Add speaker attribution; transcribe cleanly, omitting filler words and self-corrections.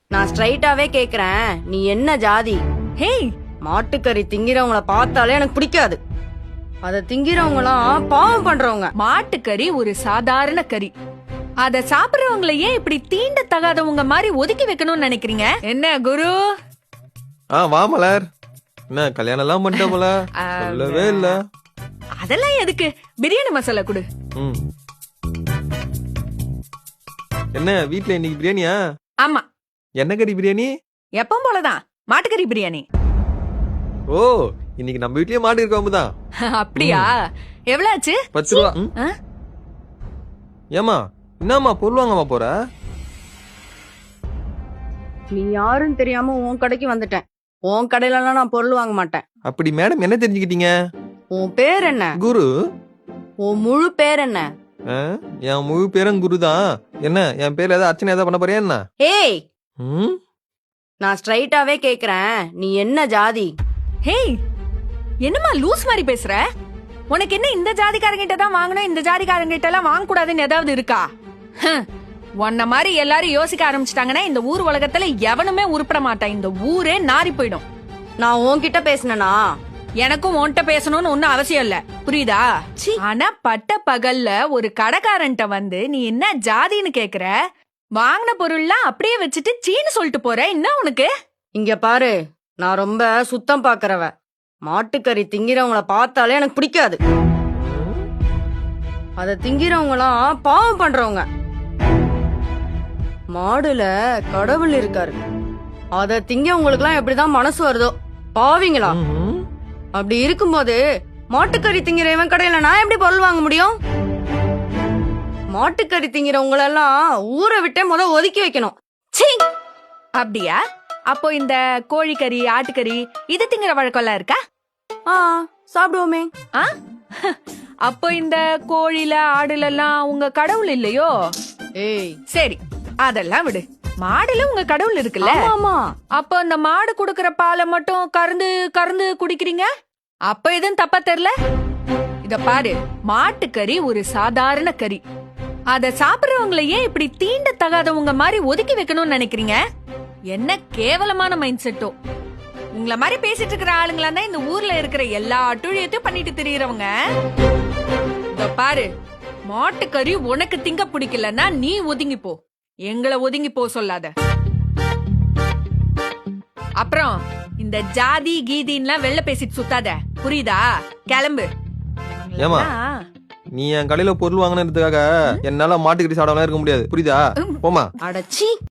Speaker 1: நான் ஸ்ட்ரைட்டாவே கேக்குறேன், நீ என்ன ஜாதி?
Speaker 2: ஹேய்,
Speaker 1: மாட்டுக்கறி திங்கிறவங்கள பார்த்தாலே எனக்கு பிடிக்காது. அத திங்கிறவங்களாம் பாவம் பண்றவங்க.
Speaker 2: மாட்டுக்கறி ஒரு சாதாரண கறி. அத சாப்பிடுறவங்கள ஏன் இப்படி தீண்ட தகாதவங்க மாதிரி ஒதுக்கி வைக்கணும்னு நினைக்கிறீங்க? என்ன குரு?
Speaker 3: வா மலர். என்ன கல்யாணம் எல்லாம் பண்ணிட்ட போல? சொல்லவே இல்ல.
Speaker 2: அதெல்லாம் எதுக்கு? பிரியாணி மசாலா கொடு.
Speaker 3: ம். என்ன வீட்ல இன்னைக்கு பிரியாணியா?
Speaker 2: ஆமா,
Speaker 3: என்ன கறி பிரியாணி?
Speaker 2: எப்பவும் போலதான் மாட்டுக்கறி பிரியாணி.
Speaker 3: ஓ, இன்னைக்கு நம்ம வீட்லயே மாடு இருக்கவங்கதான்.
Speaker 2: அப்படியா? எவ்வளவு ஆச்சு?
Speaker 3: 10 ரூபா.
Speaker 2: ஆ?
Speaker 3: ஏமா என்னம்மா பொருள் வாங்கம்மா போற?
Speaker 1: நீ யாருன்னு தெரியாம உன் கடைக்கு வந்துட்டேன். உன் கடையிலலாம் நான் பொருள் வாங்க மாட்டேன்.
Speaker 3: அப்படி மேடம் என்ன தெரிஞ்சுக்கிட்டீங்க?
Speaker 1: உன் பேர் என்ன?
Speaker 3: குரு.
Speaker 1: உன் முழு பேர் என்ன?
Speaker 3: என் முழு பேரும் குரு தான். என்ன என் பேர்ல ஏதாவது அர்ச்சனை ஏதாவது பண்ண போறியா என்ன?
Speaker 1: ஏய்,
Speaker 3: ம்?
Speaker 1: நான் ஸ்ட்ரைட்டாவே கேக்குறேன், நீ என்ன ஜாதி?
Speaker 2: ஹேய், என்னம்மா லூஸ் மாதிரி பேசுற? உனக்கு என்ன இந்த ஜாதிக்காரங்கிட்ட தான் வாங்கணும், இந்த ஜாதிக்காரங்கிட்ட எல்லாம் வாங்க கூடாதுன்னு ஏதாவது இருக்கா? உன்ன மாதிரி எல்லாரும் யோசிக்க ஆரம்பிச்சிட்டாங்கன்னா இந்த ஊர் உலகத்துல எவனுமே உருப்பட மாட்டான். இந்த ஊரே நாரி போயிடும்.
Speaker 1: நான் உன்கிட்ட பேசினனா?
Speaker 2: எனக்கும் உன்கிட்ட பேசணும்னு ஒன்னும் அவசியம் இல்ல, புரியுதா? ஆனா பட்ட பகல்ல ஒரு கடைக்காரன்ட்ட வந்து நீ என்ன ஜாதின்னு கேக்குற? வாங்கின பொருள்லாம் அப்படியே வச்சுட்டு சீன்னு சொல்லிட்டு போற. என்ன உனக்கு?
Speaker 1: இங்க பாரு, நான் ரொம்ப சுத்தம் பாக்குறவ. மாட்டுக்கறி திங்கிறவங்கள பார்த்தாலே எனக்கு பிடிக்காது. அத திங்கிறவங்களாம் பாவம் பண்றவங்க. மாடுல கடவுள் இருக்காரு. அத திங்கவங்களுக்கு எல்லாம் எப்படிதான் மனசு வருதோ பாவீங்களா?
Speaker 3: ம்ஹும்.
Speaker 1: அப்படி இருக்கும்போது மாட்டுக்கறி திங்கிறவன் கடையில நான் எப்படி பொருள் வாங்க முடியும்? மாட்டுக்கறி திங்கிறவங்கள எல்லாம் ஊரை விட்டே ஒதுக்கி வைக்கணும். சீ!
Speaker 2: அப்படியா? அப்போ இந்த கோழிக்கறி, ஆட்டுக்கறி இது திங்கிற வழக்கம்லாம் இருக்கா?
Speaker 1: சாப்பிடுவோமே.
Speaker 2: ஆ? அப்போ இந்த கோழில ஆடுல எல்லாம் உங்க கடவுள் இல்லையோ?
Speaker 1: ஏய்,
Speaker 2: சரி, அதெல்லாம் விடு. மாடுல உங்க கடவுள் இருக்குல்ல?
Speaker 1: ஆமா.
Speaker 2: அப்போ அந்த மாடு குடுக்கற பாலை மட்டும் கறந்து கறந்து குடிக்கிறீங்க. அப்ப எதுவும் தப்பா தெரியல? இத பாரு, மாட்டுக்கறி ஒரு சாதாரண கறி. அத சாப்பிடுறவங்கள ஏன் இப்படி தீண்ட தகாதவங்க மாதிரி ஒதுக்கி வைக்கணும்னு நினைக்கிறீங்க? என்ன கேவலமான மைண்ட் செட்டோ. உங்கள மாதிரி பேசிட்டு இருக்கிற ஆளுங்களா தான் இந்த ஊர்ல இருக்கிற எல்லா அட்டுழியத்தையும் பண்ணிட்டு திரியறவங்க. இத பாரு, மாட்டுக்கறி உனக்கு திங்க பிடிக்கலன்னா நீ ஒதுங்கி போ. எங்களை ஒதுங்கி போ சொல்லாத. அப்புறம் இந்த ஜாதி கீதின்லாம் வெளில பேசிட்டு சுத்தாத, புரியுதா? கிளம்பு.
Speaker 3: ஏமா நீ என் கடையில பொருள் வாங்கினதுக்காக என்னால மாட்டுக்கறி சாப்பிடாம இருக்க முடியாது, புரியுதா? போமா.
Speaker 1: அடச்சி.